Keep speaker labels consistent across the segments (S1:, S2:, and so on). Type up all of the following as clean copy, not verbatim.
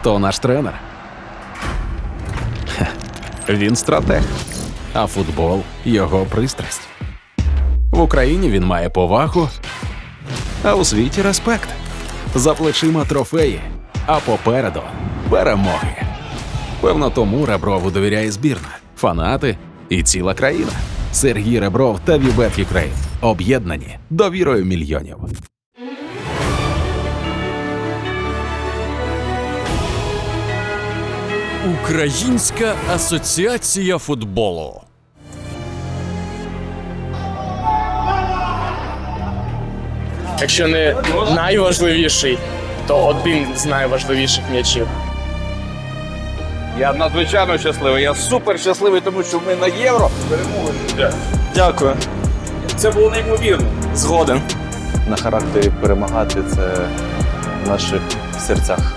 S1: Хто наш тренер? Він стратег, а футбол – його пристрасть. В Україні він має повагу, а у світі – респект. За плечима трофеї, а попереду – перемоги. Певно, тому Реброву довіряє збірна, фанати і ціла країна. Сергій Ребров та Вібет Юкрейн об'єднані довірою мільйонів.
S2: Українська асоціація футболу.
S3: Якщо не найважливіший, то один з найважливіших м'ячів.
S4: Я надзвичайно щасливий, я супер щасливий, тому що ми на Євро перемогли.
S3: Дякую.
S4: Це було неймовірно.
S3: Згоден.
S5: На характері перемагати – це в наших серцях.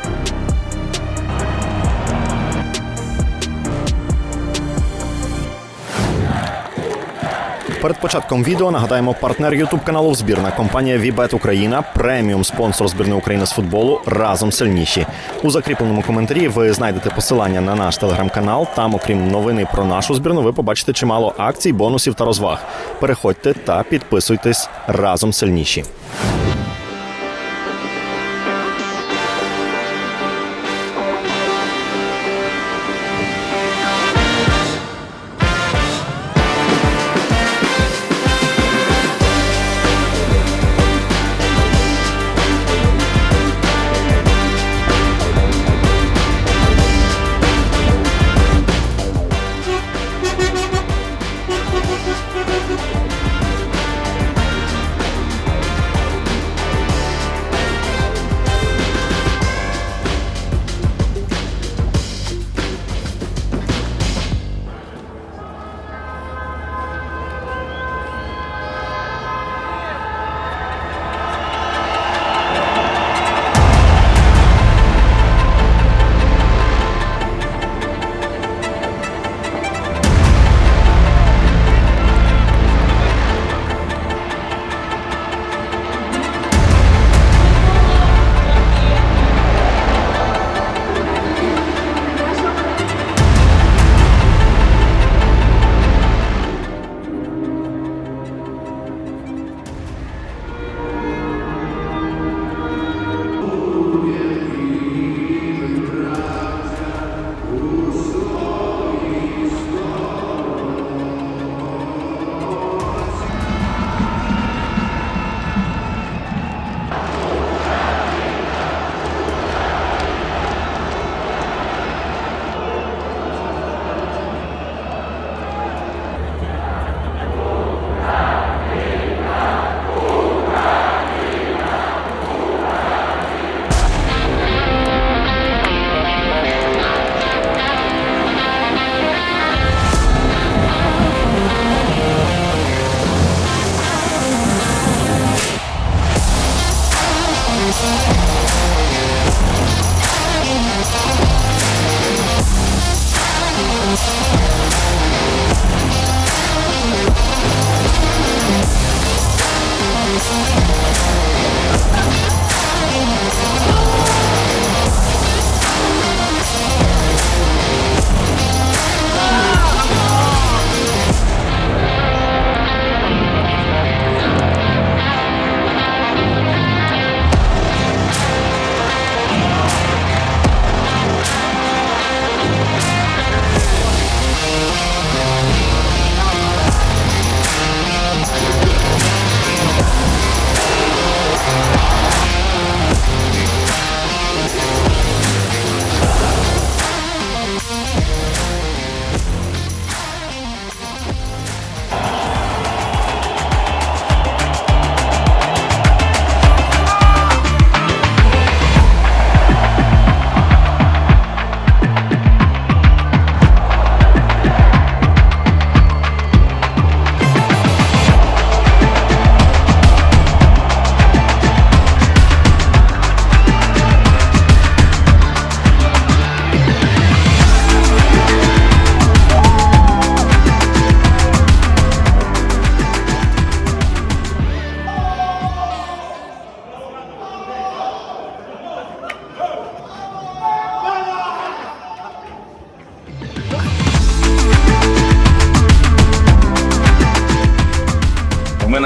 S6: Перед початком відео нагадаємо, партнер ютуб-каналу «Збірна» – компанія Вібет Україна, преміум спонсор збірної України з футболу «Разом сильніші». У закріпленому коментарі ви знайдете посилання на наш телеграм-канал. Там, окрім новини про нашу збірну, ви побачите чимало акцій, бонусів та розваг. Переходьте та підписуйтесь «Разом сильніші».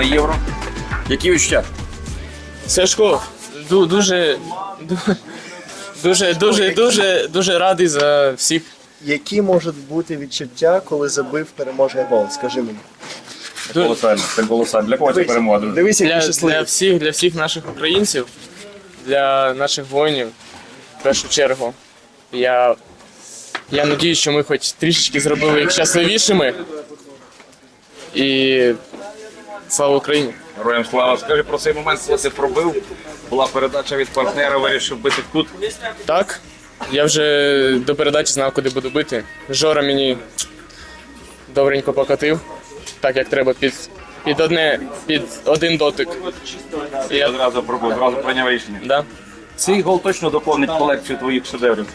S4: на євро. Які відчуття?
S3: Сашко, дуже радий за всіх.
S7: Які можуть бути відчуття, коли забив переможний гол? Скажи мені.
S4: Колосально, це колосально. Для кого це перемога, друзі?
S7: Дивись, який
S3: Для
S7: щасливий.
S3: для всіх наших українців, для наших воїнів, в першу чергу. Я надіюсь, що ми хоч трішечки зробили їх щасливішими. І слава Україні!
S4: Героям слава. Скажи про цей момент, коли ти пробив. Була передача від партнера, вирішив бити в кут.
S3: Так, я вже до передачі знав, куди буду бити. Жора мені добренько покатив, так як треба, під один дотик. І
S4: Я одразу пробив, одразу прийняв рішення.
S3: Да.
S4: Цей гол точно доповнить колекцію твоїх шедеврів.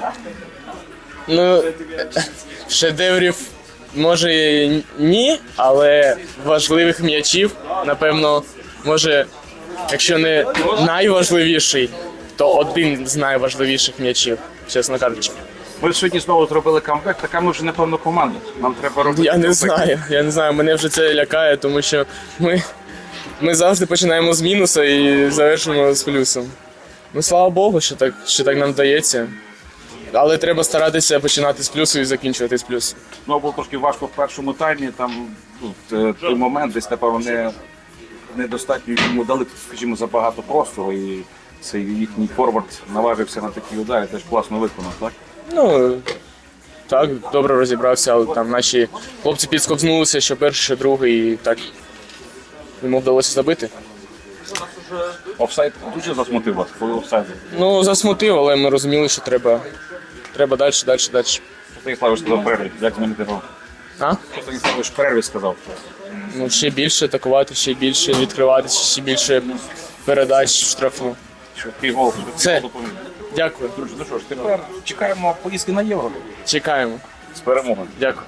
S3: Ну, шедеврів може і ні, але важливих м'ячів, напевно, може, якщо не найважливіший, то один з найважливіших м'ячів, чесно кажучи.
S4: Ми сьогодні знову зробили камбек, така ми вже, напевно, команда. Нам треба робити
S3: Я не знаю, мене вже це лякає, тому що ми завжди починаємо з мінуса і завершимо з плюсом. Ну, слава Богу, що так нам вдається. Але треба старатися починати з плюсу і закінчувати з плюсу.
S4: Ну, було трошки важко в першому таймі, там той момент десь, напевно, недостатньо йому дали, скажімо, забагато простору, і цей їхній форвард наважився на такі удари, теж класно виконав, так?
S3: Ну, так, добре розібрався, але там наші хлопці підскобзнулися, що перший, що другий, і так йому вдалося забити.
S4: Офсайд дуже засмутив вас, коли офсайд.
S3: Ну, засмутив, але ми розуміли, що треба далі.
S4: Станіславич сказав в перерві, як мені типу?
S3: А?
S4: Що Станіславич в перерві сказав?
S3: Ну, ще більше атакувати, ще більше відкриватися, ще більше передач в штрафну.
S4: Швидкий гол,
S3: Це.
S4: допоміг.
S3: Дякую.
S4: Друзі, ну що ж, тепер чекаємо поїздки на Євро
S3: Чекаємо.
S4: з перемогою.
S3: Дякую.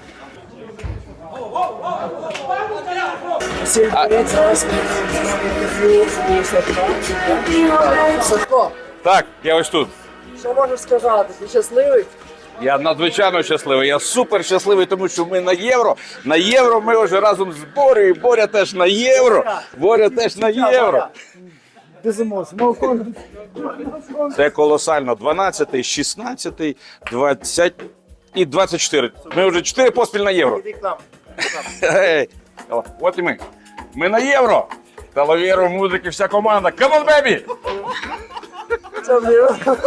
S7: Сашко,
S4: Так, я ось тут.
S7: що можеш сказати? Ти щасливий?
S4: Я надзвичайно щасливий, я супер щасливий, тому що ми на євро. На євро ми вже разом з Борею. Боря теж на євро. Боря теж на євро.
S7: Без емоцій.
S4: Це колосально. 12, 16, 20 і 24. Ми вже 4 поспіль на євро.
S7: Іди к нам.
S4: Гей, от і ми. Ми на євро. Талавєру, музики, вся команда. Come on, baby!
S7: Це вже.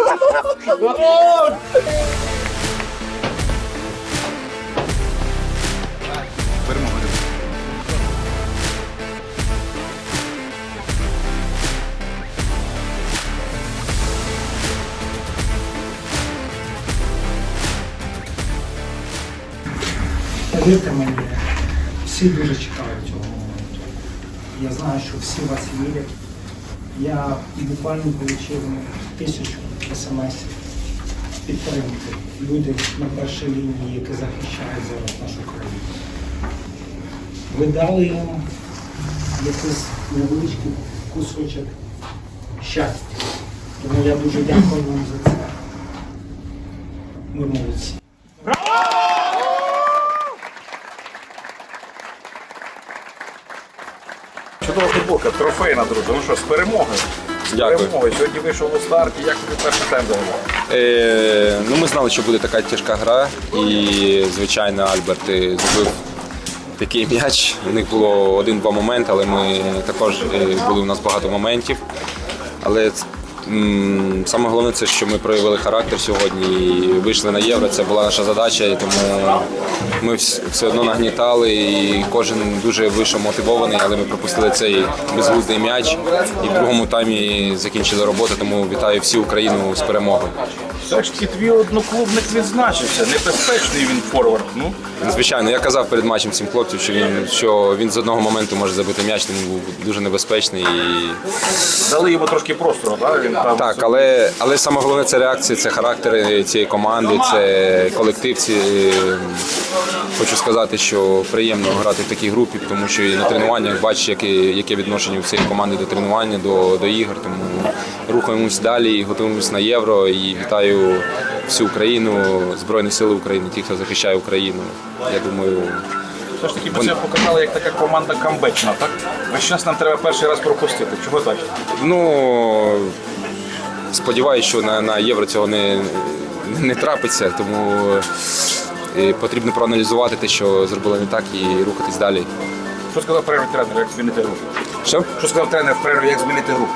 S8: Повірте мені, всі дуже чекають цього моменту. Я знаю, що всі вас вірять. Я буквально отримав 1000 смс-ів підтримки. Люди на першій лінії, які захищають зараз нашу країну. Ви дали їм якийсь невеличкий кусочок щастя. Тому я дуже дякую вам за це. Ви молодці.
S4: Чудова футболка, трофейна, друзі. Ну що, з перемогою. З перемогою. Сьогодні вийшов у старт. Як тобі перший тайм загалом?
S9: Ну, ми знали, що буде така тяжка гра, і, звичайно, Альберт забив такий м'яч. У них було 1-2 моменти, але ми також були у нас багато моментів. Але саме головне це, що ми проявили характер сьогодні і вийшли на євро. Це була наша задача, і тому ми все одно нагнітали, і кожен дуже вийшов мотивований, але ми пропустили цей безглуздий м'яч і в другому таймі закінчили роботу, тому вітаю всю Україну з перемогою.
S4: Все ж таки твій одноклубник відзначився. Небезпечний він форвард. Ну,
S9: Звичайно, я казав перед матчем всім хлопцям, що він з одного моменту може забити м'яч, тому був дуже небезпечний. І...
S4: дали йому трошки простору, так? Він там
S9: Так, але саме головне це реакція, це характер цієї команди, це колектив. Хочу сказати, що приємно грати в такій групі, тому що і на тренуваннях бачиш, яке відношення у цієї команди до тренування, до ігор. Тому рухаємось далі, готуємось на євро і вітаю всю Україну, Збройні Сили України, ті, хто захищає Україну. Я думаю,
S4: Все ж таки ви себе показали як така команда камбечна, так? Весь час нам треба перший раз пропустити. Чого так?
S9: Ну, сподіваюся, що на Євро цього не трапиться, тому потрібно проаналізувати те, що зробили не так, і рухатись далі.
S4: Що сказав в перерві тренер, як змінити гру?
S9: Що?
S4: Що сказав тренер в перерві, як змінити гру?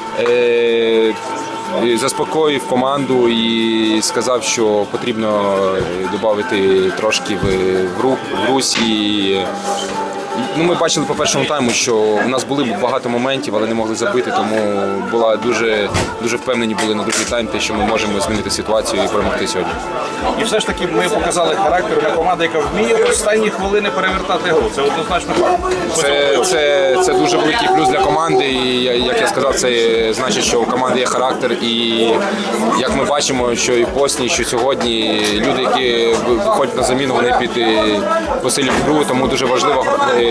S9: Заспокоїв команду і сказав, що потрібно додати трошки в русь. Ну, ми бачили по першому тайму, що у нас були багато моментів, але не могли забити, тому була дуже впевнені були на другий тайм, те, що ми можемо змінити ситуацію і перемогти сьогодні.
S4: І все ж таки ми показали характер, ми команда, яка вміє в останні хвилини перевертати гру. Це однозначно факт.
S9: Це дуже великий плюс для команди, і як я сказав, це значить, що у команди є характер. І як ми бачимо, що і в Боснії, що сьогодні люди, які виходять на заміну, вони посилюють гру, тому дуже важливо,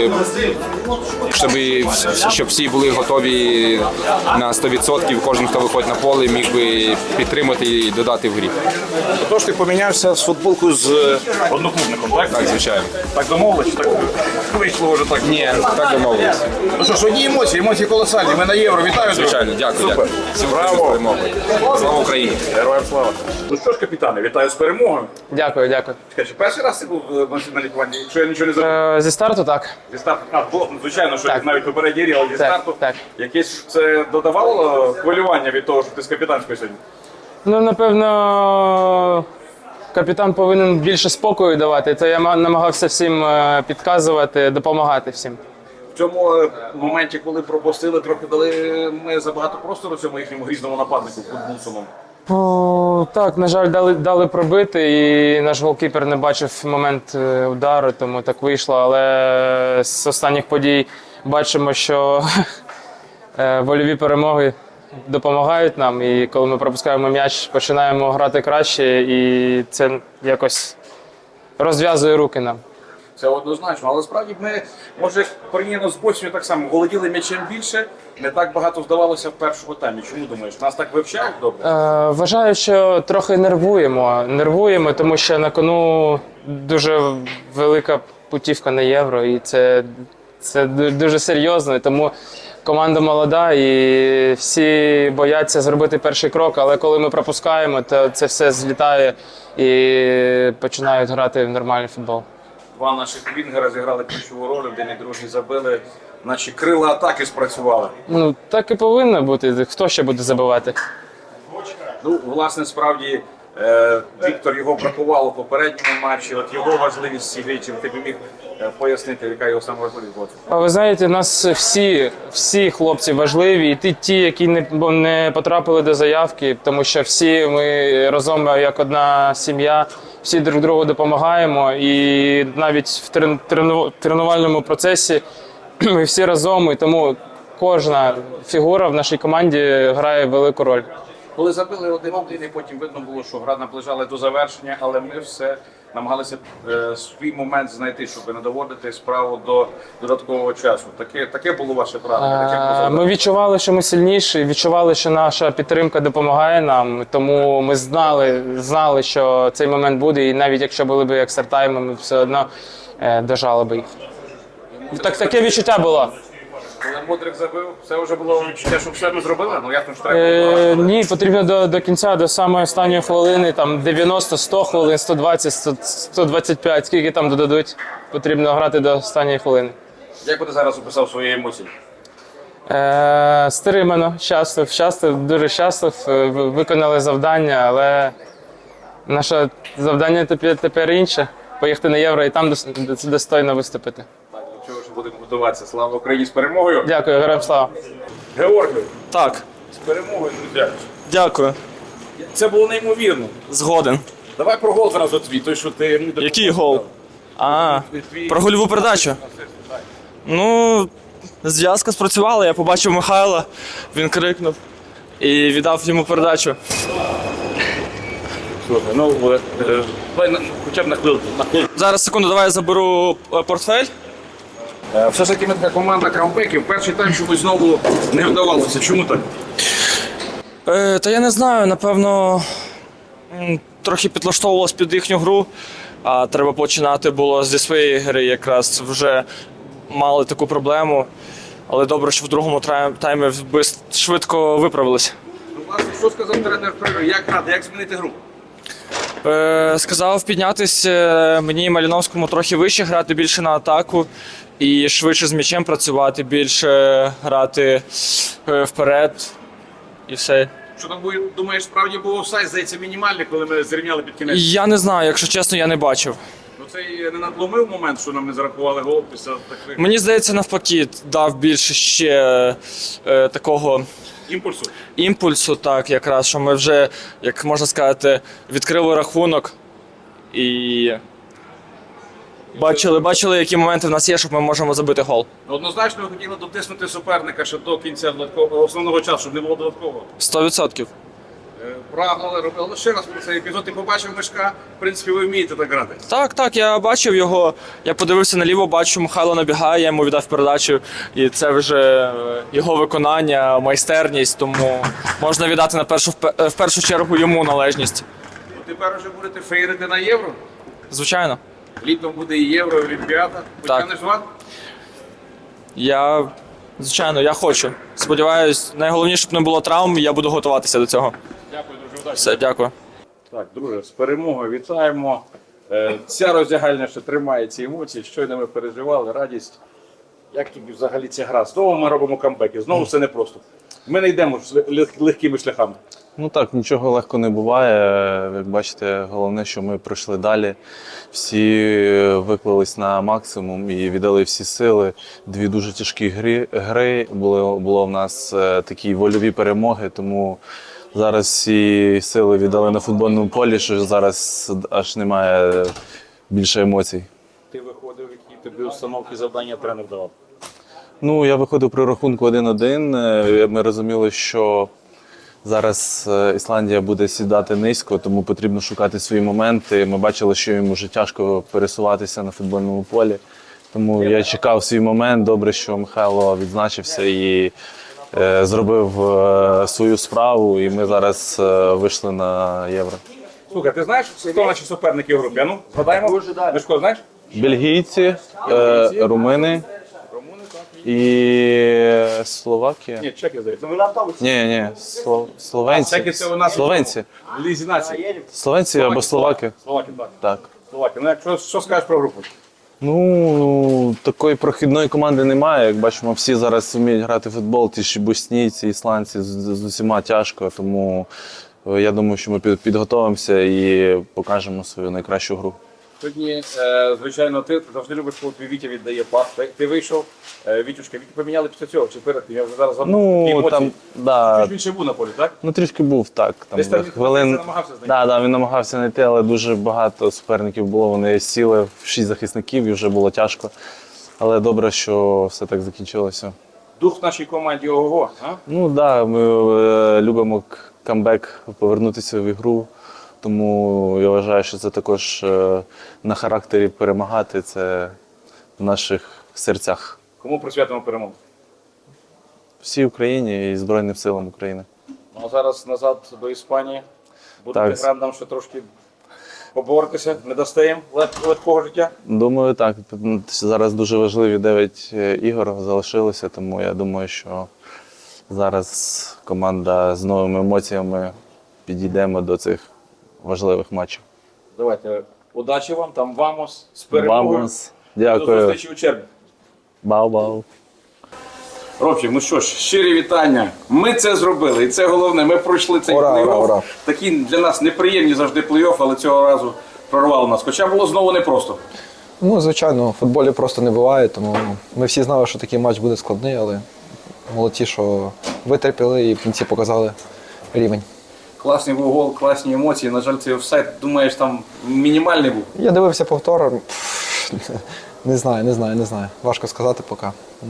S9: щоб всі були готові на 100%, кожен, хто виходить на поле, міг би підтримати і додати в грі.
S4: Тож ти помінявся з футболкою з одноклубником, так?
S9: Так, звичайно.
S4: Так домовились, чи так вийшло вже так?
S9: Ні, так домовилися.
S4: Ну що ж, одні емоції колосальні. Ми на Євро. Вітаю, друзі.
S9: Звичайно, дякую.
S4: Супер.
S9: Всім
S4: Браво.
S9: перемоги. Слава Україні!
S4: Героям слава. Ну що ж, капітане, вітаю з перемогою.
S3: Дякую, дякую.
S4: Чекай, чи перший раз ти був на лікуванні? Якщо я нічого не забув.
S3: Зі старту так.
S4: Зі старту, було, звичайно, що
S3: Так.
S4: навіть попередній рік, але зі
S3: Так,
S4: старту.
S3: так.
S4: Якесь це додавало хвилювання від того, що ти з капітанською сьогодні?
S3: Ну, напевно, капітан повинен більше спокою давати, то я намагався всім підказувати, допомагати всім.
S4: В цьому моменті, коли пропустили, трохи дали ми забагато простору цьому їхньому грізному нападнику Гудмунсону.
S3: Так, на жаль, дали пробити, і наш голкіпер не бачив момент удару, тому так вийшло. Але з останніх подій бачимо, що вольові перемоги допомагають нам. І коли ми пропускаємо м'яч, починаємо грати краще, і це якось розв'язує руки нам.
S4: Це однозначно, але справді ми, може, порівняно з Боснією так само, володіли м'ячем більше, не так багато здавалося в першому таймі. Чому думаєш? Нас так вивчають добре?
S3: Вважаю, що трохи нервуємо, тому що на кону дуже велика путівка на Євро, і це дуже серйозно, тому команда молода і всі бояться зробити перший крок, але коли ми пропускаємо, то це все злітає і починають грати в нормальний футбол.
S4: Два наших вінгера зіграли ключову роль, один і другий забили. Наші крила атаки спрацювали.
S3: Ну, так і повинно бути. Хто ще буде забивати?
S4: Ну, власне, справді, Віктор його бракувало в попередньому матчі. От його важливість в цій грі, чим ти б міг пояснити, яка його саме важливість була?
S3: А ви знаєте, у нас всі хлопці важливі, і ті, які не потрапили до заявки, тому що всі ми разом як одна сім'я, всі друг другу допомагаємо, і навіть в тренувальному процесі ми всі разом, і тому кожна фігура в нашій команді грає велику роль.
S4: Коли забили 1-1, і потім видно було, що гра наближала до завершення, але ми все намагалися свій момент знайти, щоб не доводити справу до додаткового часу. Таке було ваше правило?
S3: Ми відчували, що ми сильніші, відчували, що наша підтримка допомагає нам, тому ми знали, що цей момент буде, і навіть якщо були б екстратайми, ми все одно дожали б їх. Таке відчуття було.
S4: Коли Мудрик забив, це вже було відчуття, що все ми зробили? Ну ясно, що треба було.
S3: Ні, потрібно до кінця, до самої останньої хвилини, там 90, 100 хвилин, 120, 125, скільки там додадуть, потрібно грати до останньої хвилини.
S4: Як би ти зараз описав свої емоції?
S3: Стримано, щаслив, дуже щаслив, виконали завдання, але наше завдання тепер інше. Поїхати на Євро і там достойно виступити.
S4: Так, до чого ж будемо готуватися. Слава Україні з перемогою!
S3: Дякую, героям слава!
S4: Георгій,
S10: Так,
S4: з перемогою, друзі!
S10: дякую.
S4: Це було неймовірно.
S10: Згоден.
S4: Давай про гол зразу твій, той, що ти...
S10: Який гол? Про гольову передачу. Ну, зв'язка спрацювала, я побачив Михайла, він крикнув і віддав йому передачу.
S4: Слухай, ну, давай хоча б на хвилину.
S10: Зараз, секунду, давай я заберу портфель.
S4: Все ж таки ми така команда камбеків. Перший тайм чомусь знову не вдавалося. Чому так?
S10: Та я не знаю, напевно, трохи підлаштовувалась під їхню гру. А треба починати було зі своєї гри, якраз вже мали таку проблему. Але добре, що в другому таймі швидко виправилися.
S4: Власне, що сказав тренер перерви? Як грати, як змінити гру?
S10: Сказав піднятися мені і Маліновському трохи вище, грати більше на атаку і швидше з м'ячем працювати, більше грати вперед і все.
S4: Що там, думаєш, справді був офсайд, здається, мінімальний, коли ми зрівняли під кінець?
S10: Я не знаю, якщо чесно, я не бачив.
S4: Ну це не надломив момент, що нам не зарахували гол після таких
S10: Мені здається, навпаки, дав більше ще такого
S4: імпульсу.
S10: так, якраз, що ми вже, як можна сказати, відкрили рахунок і бачили, які моменти в нас є, щоб ми можемо забити гол.
S4: Однозначно ви хотіли дотиснути суперника ще до кінця основного часу, щоб не було додаткового.
S10: 100%.
S4: Прагнули, робили. Ще раз про цей епізод. Ти побачив Мишка, в принципі, ви вмієте так грати.
S10: Так, я бачив його. Я подивився наліво, бачу, Михайло набігає, я йому віддав передачу. І це вже його виконання, майстерність, тому можна віддати в першу чергу йому належність.
S4: Тепер вже будете феєрити на Євро.
S10: Звичайно.
S4: Літом буде і Євро, і Олімпіада. Потягнеш ван?
S10: Звичайно, я хочу. Сподіваюсь, найголовніше, щоб не було травм, я буду готуватися до цього.
S4: Дякую, дуже удачі.
S10: Все, дякую.
S4: Так, друже, з перемогою вітаємо. Ця роздягальня ще тримає ці емоції, щойно ми переживали, радість. Як тобі взагалі ця гра? Знову ми робимо камбеки, знову все непросто. Ми не йдемо легкими шляхами.
S5: Ну так, нічого легко не буває. Як бачите, головне, що ми пройшли далі. Всі виклались на максимум і віддали всі сили. Дві дуже тяжкі гри. Було в нас такі вольові перемоги, тому зараз всі сили віддали на футбольному полі, що зараз аж немає більше емоцій.
S4: Ти виходив, які тобі установки, завдання тренер давав?
S5: Ну, я виходив при рахунку 1-1. Ми розуміли, що зараз Ісландія буде сідати низько, тому потрібно шукати свої моменти. Ми бачили, що їм вже тяжко пересуватися на футбольному полі. Тому я чекав свій момент. Добре, що Михайло відзначився і зробив свою справу, і ми зараз вийшли на Євро.
S4: Слухай, ти знаєш, хто наші суперники в групі? А ну, згадаємо. Мишко, знаєш?
S5: Бельгійці, румуни і Словакія.
S4: Ні, чеки, здається.
S5: Ні, словенці.
S4: Чеки це у нас
S5: Словенці.
S4: в Лізі нації.
S5: Словенці або словаки.
S4: Словаки, так.
S5: Так.
S4: Словаки. Ну, якщо, що скажеш про групу?
S5: Ну, такої прохідної команди немає. Як бачимо, всі зараз вміють грати в футбол, ті ж боснійці, ісландці, з усіма тяжко. Тому я думаю, що ми підготовимося і покажемо свою найкращу гру.
S4: Сьогодні, звичайно, ти завжди любиш, коли твій Вітя віддає пас. Ти вийшов, Вітюшка, Вітю поміняли після цього, чи перед тим? Я вже зараз забув.
S5: Ну, там, да.
S4: Він ще був на полі, так?
S5: Ну, трішки був, так. Там
S4: Десь там
S5: хвилин...
S4: намагався знайти.
S5: Да, він намагався знайти, але дуже багато суперників було. Вони сіли в 6 захисників і вже було тяжко. Але добре, що все так закінчилося.
S4: Дух в нашій команді ого-го, а?
S5: Ну так, да, ми любимо камбек, повернутися в ігру. Тому я вважаю, що це також на характері перемагати, це в наших серцях.
S4: Кому присвятимо перемогу?
S5: Всій Україні і Збройним силам України.
S4: Ну, а зараз назад до Іспанії. Будете
S5: Так.
S4: грам нам ще трошки поборотися, не дасте їм легкого життя?
S5: Думаю, так. Зараз дуже важливі 9 ігор залишилося, тому я думаю, що зараз команда з новими емоціями підійдемо до цих важливих матчів.
S4: Давайте, удачі вам, там вамос, з перемогою.
S5: Вамос.
S4: До
S5: Дякую.
S4: зустрічі у червні.
S5: Бау-бау.
S4: Робчик, ну що ж, щирі вітання. Ми це зробили, і це головне. Ми пройшли цей плей-офф. Такі для нас неприємні завжди плей-офф, але цього разу прорвало нас. Хоча було знову непросто.
S11: Ну, звичайно, в футболі просто не буває, тому ми всі знали, що такий матч буде складний, але молодці, що витерпіли і в кінці показали рівень.
S4: Класний був гол, класні емоції. На жаль, цей офсайд, думаєш, там мінімальний був.
S11: Я дивився повтор. Не знаю. Важко сказати поки.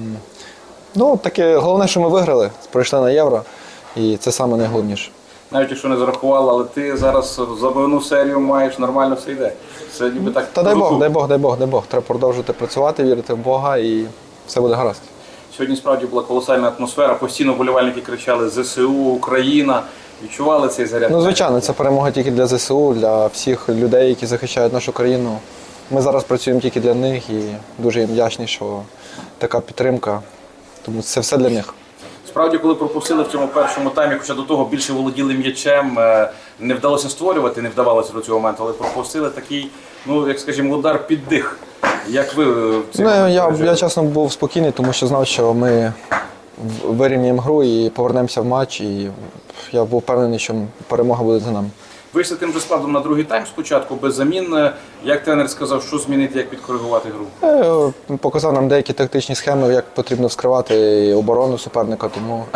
S11: Ну, таке, головне, що ми виграли, пройшли на Євро, і це саме найголовніше.
S4: Навіть якщо не зарахували, але ти зараз забивну серію маєш, нормально все йде. Це ніби так.
S11: Та дай Бог. Треба продовжувати працювати, вірити в Бога, і все буде гаразд.
S4: Сьогодні справді була колосальна атмосфера, постійно вболівальники кричали «ЗСУ, Україна». Відчували цей заряд?
S11: Ну, звичайно, це перемога тільки для ЗСУ, для всіх людей, які захищають нашу країну. Ми зараз працюємо тільки для них і дуже їм вдячні, що така підтримка. Тому це все для них.
S4: Справді, коли пропустили в цьому першому таймі, хоча до того більше володіли м'ячем, не вдалося створювати, не вдавалося до цього моменту, але пропустили такий, ну, як скажімо, удар під дих. Як ви в цей момент
S11: Я чесно був спокійний, тому що знав, що ми вирівняємо гру і повернемося в матч. І я був впевнений, що перемога буде за нами.
S4: Вийшли тим же складом на другий тайм спочатку, без замін. Як тренер сказав, що змінити, як підкоригувати гру?
S11: Показав нам деякі тактичні схеми, як потрібно вскривати оборону суперника, тому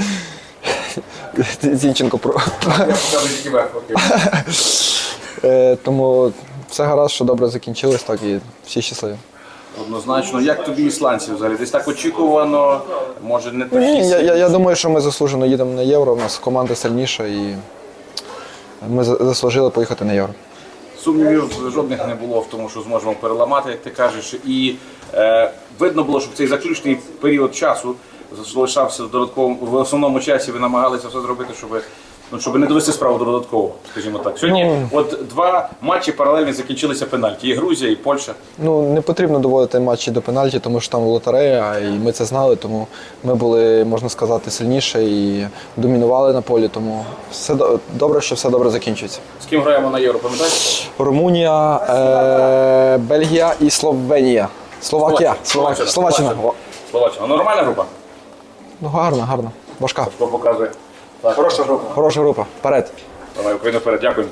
S11: Зінченко про. Тому все гаразд, що добре закінчилось, так і всі щасливі.
S4: Однозначно. Як тобі ісландці взагалі? Десь так очікувано, може не такі?
S11: Ні, я думаю, що ми заслужено їдемо на Євро, у нас команда сильніша і ми заслужили поїхати на Євро.
S4: Сумнівів жодних не було в тому, що зможемо переламати, як ти кажеш. І видно було, що в цей заключний період часу залишався в основному часі, ви намагалися все зробити, щоб не довести справу до додаткового, скажімо так. Сьогодні два матчі паралельно закінчилися пенальті. І Грузія, і Польща.
S11: Не потрібно доводити матчі до пенальті, тому що там лотерея, і ми це знали, тому ми були, можна сказати, сильніше і домінували на полі, тому все добре, що все добре закінчується.
S4: З ким граємо на Євро, пам'ятаєш?
S11: Румунія, Бельгія і Словенія. Словаччина.
S4: Словаччина. Нормальна група?
S11: Гарна. Важка.
S4: Що показує? Так. Хороша група.
S11: Хороша група. Вперед.
S4: Давай, Україна вперед. Дякую.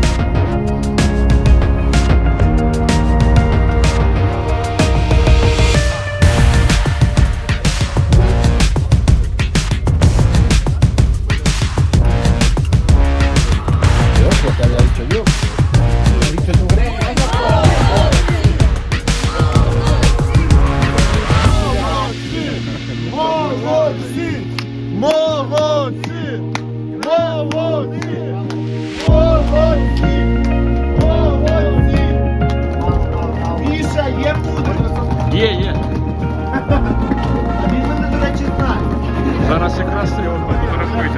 S8: Є. А він мене, до речі, знає.
S4: Зараз якраз його фотографуйте.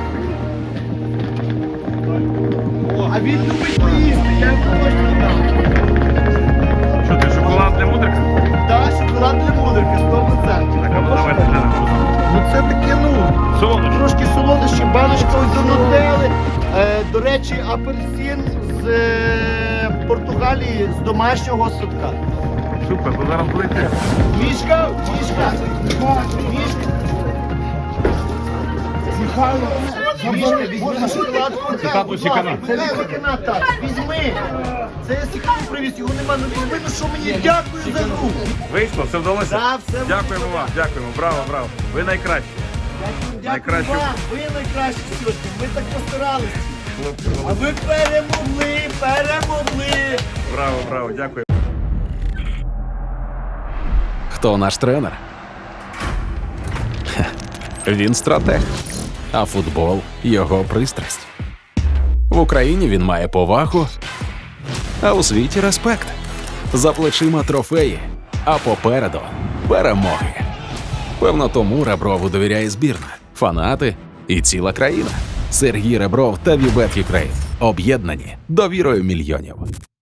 S8: А він любить поїсти, я йому точно дам.
S4: Що ти, шоколад для мудрика?
S8: Так, шоколад для мудрика, 100%.
S4: Так, або давайте глянемо.
S8: Ну це таке, трошки солодощі, баночка ось до нутелли. До речі, апельсин з Португалії, з домашнього садка.
S4: Супер, то зараз будете.
S8: Мішка. Мішка, візьми на шоколадку. Це не виконав так. Візьми. Це я секунду привіз, його нема. Ну візьми, ну що мені, дякую за гру.
S4: Вийшло, все вдалося?
S8: Да, все
S4: Дякуємо вам, дякуємо. Браво. Ви найкращі.
S8: Дякую вам, ви найкращі сьогодні. Ми так постаралися. А ви перемогли.
S4: Браво, дякую.
S1: Хто наш тренер? Він стратег, а футбол – його пристрасть. В Україні він має повагу, а у світі – респект. За плечима трофеї, а попереду – перемоги. Певно, тому Реброву довіряє збірна, фанати і ціла країна. Сергій Ребров та Вібет Юкрейн об'єднані довірою мільйонів.